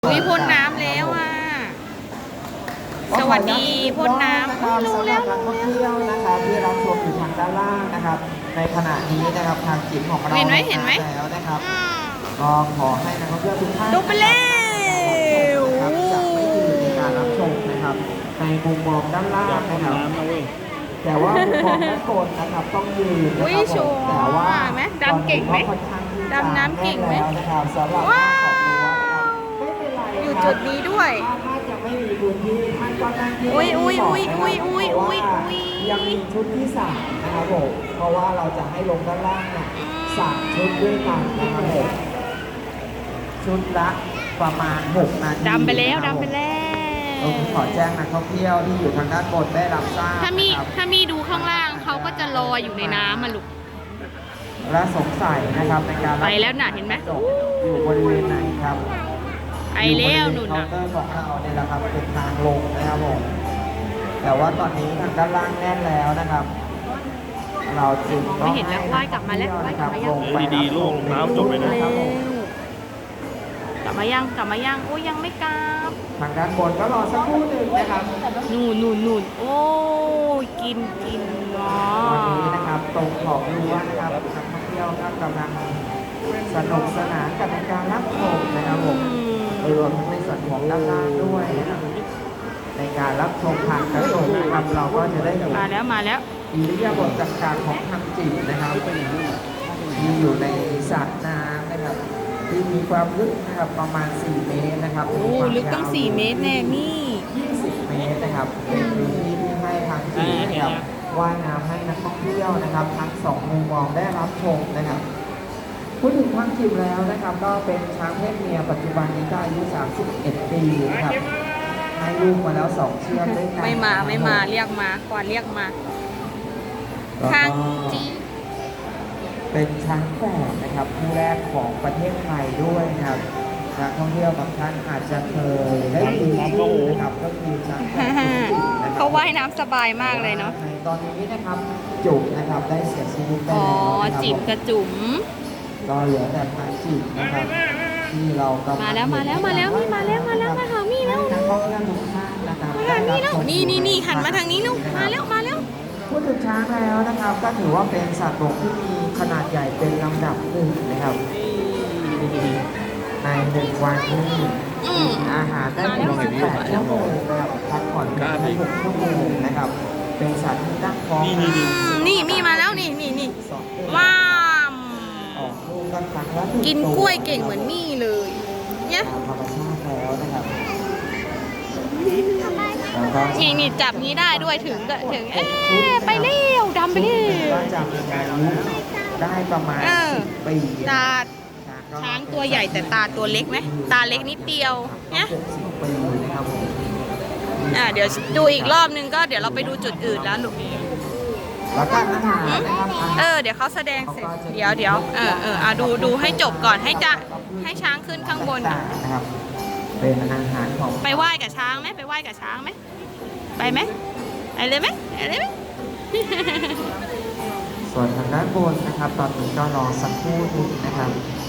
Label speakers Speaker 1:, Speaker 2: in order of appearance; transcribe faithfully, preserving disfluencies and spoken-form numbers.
Speaker 1: อุ้ยพ่นน้ำแล้วอ่ะสวัสดีพ่นน้ำอุ้ยรู้แล้ว
Speaker 2: นักท่องเที่ยวนะครับที่รับชมอยู่ทางด้านล่างนะครับ ในขณะนี้นะครับทางจิตของเรา
Speaker 1: เห็นไหมเห็นไหม
Speaker 2: แล้วนะครับก็ขอให้นักท่องเที่ยวทุกท่าน
Speaker 1: ลงไปแล้ว
Speaker 2: นะครับจะไม่ยืนในการรับชมนะครับในมุมมองด้านล่างนะครับแต่ว่ามุมมองด้านบนนะครับต้องยืนนะ
Speaker 1: อุ้ย
Speaker 2: ครับ
Speaker 1: โช
Speaker 2: ผม
Speaker 1: ว์
Speaker 2: แต่ว่า
Speaker 1: ไหมดำเก่งไหม
Speaker 2: ค่อนข้างที่จะ
Speaker 1: ดำน้ำเก่งไหม
Speaker 2: แน่นแล้วนะครับสำหรับ
Speaker 1: ว้า
Speaker 2: ขอบคุณ
Speaker 1: ว
Speaker 2: นะครับไม่เป็นไร
Speaker 1: อยู่
Speaker 2: ครับ
Speaker 1: จุดนี้ด้วย
Speaker 2: ถ้าจะไม่มีพื้นที่ท่านก็นั่งที่
Speaker 1: อุ๊ย
Speaker 2: ที่
Speaker 1: อุ๊ย
Speaker 2: บก
Speaker 1: อุ๊ย
Speaker 2: นะครับ
Speaker 1: อุ๊ยอุ๊ย
Speaker 2: เพราะว่า
Speaker 1: อุ๊ย
Speaker 2: ยังมีชุดที่สามนะครับผมเพราะว่าเราจะให้ลงด้านล่างเนี่ย
Speaker 1: อืม
Speaker 2: สามชุดด้วยกันนะครับผมชุดละประมาณหกนาที
Speaker 1: ดำไปแล้ว
Speaker 2: นะครับ
Speaker 1: ดำไปแล้ว
Speaker 2: ผมขอแจ้งนักท่องเที่ยวที่อยู่ทางด้านบนได้รับทราบ
Speaker 1: ถ้ามี
Speaker 2: นะครับ
Speaker 1: ถ้ามีดูข้างล่างเขาก็จะลอยอยู่ในน้ำมาลูก
Speaker 2: และสงสัยนะครับในการรับ
Speaker 1: ไปแล้วน่ะเห็นไหม
Speaker 2: อยู่บริเวณไหนครับ
Speaker 1: ไอแล้วหนุน
Speaker 2: เคา
Speaker 1: น่ะ
Speaker 2: น์เตอร์ของเราเนี่ยแหละครับเป็นทางลงนะครับผมแต่ว่าตอนนี้ทางด้านล่างแน่นแล้วนะครับ เราจึง
Speaker 1: มองไม่เห็นแล้วว่ายกลับมาแล้วว่ายกลับมายัง
Speaker 2: ลงไป
Speaker 3: ดีๆลูกน้ำจบไปนะ
Speaker 2: ครับผม
Speaker 1: กลับมายังกลับมายังโอ้ยยังไม่กลับ
Speaker 2: ทางด้านบนก็รอสักครู่หนึ่งนะครับ
Speaker 1: นู่นนู่นนู่นโอ้ยกินกินอ๋อ
Speaker 2: ตอนนี้นะครับตรงขอบรั้วนะครับนักท่องเที่ยวก็กำลังสนุกสนานกับการรับชมนะครับผม
Speaker 1: อืม
Speaker 2: รวมทั้งในส่วนของด้านล่างด้วยนะครับในการรับชมผ่านกระจกนะครับเราก็จะได้เห็น
Speaker 1: มาแล้วมาแล้ว
Speaker 2: อิริยาบถต่างๆของทางจิตนะครับที่อยู่ในสระน้ำนะครับที่มีความลึกนะครับประมาณสี่เมตรนะครับ
Speaker 1: โอ้ลึกตั้งสี่เมตรแน่มี่
Speaker 2: ยี่สิบเมตรนะครับเป็นพื้นที่ที่ให้ทางจิตนะครับว่ายน้ำให้นักท่องเที่ยวนะครับทั้งสองมุมมองได้รับชมนะครับพูดถึงทางจิตแล้วนะครับก็เป็นช้างเพศเมียปัจจุบันนี้ก็อายุสามสิบเอ็ดปีนะครับให้ลูกมาแล้วสองเชือกด้วยกัน
Speaker 1: ไม่มาไม่มาเรียกมาก่อนเรียกมา
Speaker 2: แล้วก็
Speaker 1: ทางจี
Speaker 2: เป็นช้างแฝดนะครับคู่แรกของประเทศไทยด้วยนะครับนักท่องเที่ยวบางท่านอาจจะเคยได้ยินชื่อนะครับก็คือช้างแฝดจุกจิกนะครับ
Speaker 1: เขาว่ายน้ำสบายมากเลยเนาะ
Speaker 2: ในตอนนี้นะครับจุกนะครับได้เสียชีวิตไป
Speaker 1: อ๋อ
Speaker 2: แล้วนะครับ
Speaker 1: จิบกระจุ๋ม
Speaker 2: ก็เหลือแต่พันจิบนะครับที่เรากำลัง
Speaker 1: มาแล้วมาแล้วมาแล้วนี่มาแล้วมาแล้วมาหามี่แล้ว
Speaker 2: นักท่องเที่ยวทุกท่านนะครับ
Speaker 1: มาหามี่แล้วนี่นี่นี่หันมาทางนี้ลูกมาแล้วมาแล้ว
Speaker 2: พูดถึงช้างแล้วนะครับก็ถือว่าเป็นสัตว์บกที่มีขนาดใหญ่เป็นลำดับหนึ่งนะครับ ในหนึ่งวันที่
Speaker 1: อืม
Speaker 2: อาหารได้ถึงสิบแปดชั่วโมงนะครับพักผ่อนได้หกชั่วโมงนะครับ เป็นสัตว์ที่ตั้งท้อง
Speaker 3: นี่นี่นี่
Speaker 1: อืมนี่มี่มาแล้วนี่นี่นี่
Speaker 2: สองเดือน
Speaker 1: ว้าม
Speaker 2: ออกลูกกันครั้งละหง
Speaker 1: กินกล้วยเก่งเหมือนมี่เลยเนี่ย
Speaker 2: ตามธรรมชาติแล้วนะครับแล้วก็
Speaker 1: นี่นี่จับนี้ได้ด้วยถึงก็ถึงเอ๊ะไปเร็วดำไปเร็ว
Speaker 2: ก็จะมีอายุได้ประมาณ
Speaker 1: เออ
Speaker 2: สิบปี
Speaker 1: ตาช้างตัวใหญ่แต่ตาตัวเล็กไหมตาเล็กนิดเดียวเนี่ย
Speaker 2: หกสิบปีนะครับผม
Speaker 1: อ่าเดี๋ยวดูอีกรอบนึงก็เดี๋ยวเราไปดูจุดอื่นแล้วลูก
Speaker 2: แล้วก็อาหารนะครับอาหาร
Speaker 1: เออเดี๋ยวเขาแสดงเสร็จเดี๋ยวเดี๋ยวเออเอออ่ะดูดูให้จบก่อนให้จะให้ช้างขึ้นข้างบน
Speaker 2: นะครับเป็นอาหารของ
Speaker 1: ไปไหว้กับช้างไหมไปไหว้กับช้างไหมไปไหมไปเลยไหมไปเลยไหม
Speaker 2: ส่วนทางด้านบนนะครับ ตอนนี้ก็รอสักครู่หนึงนะครับ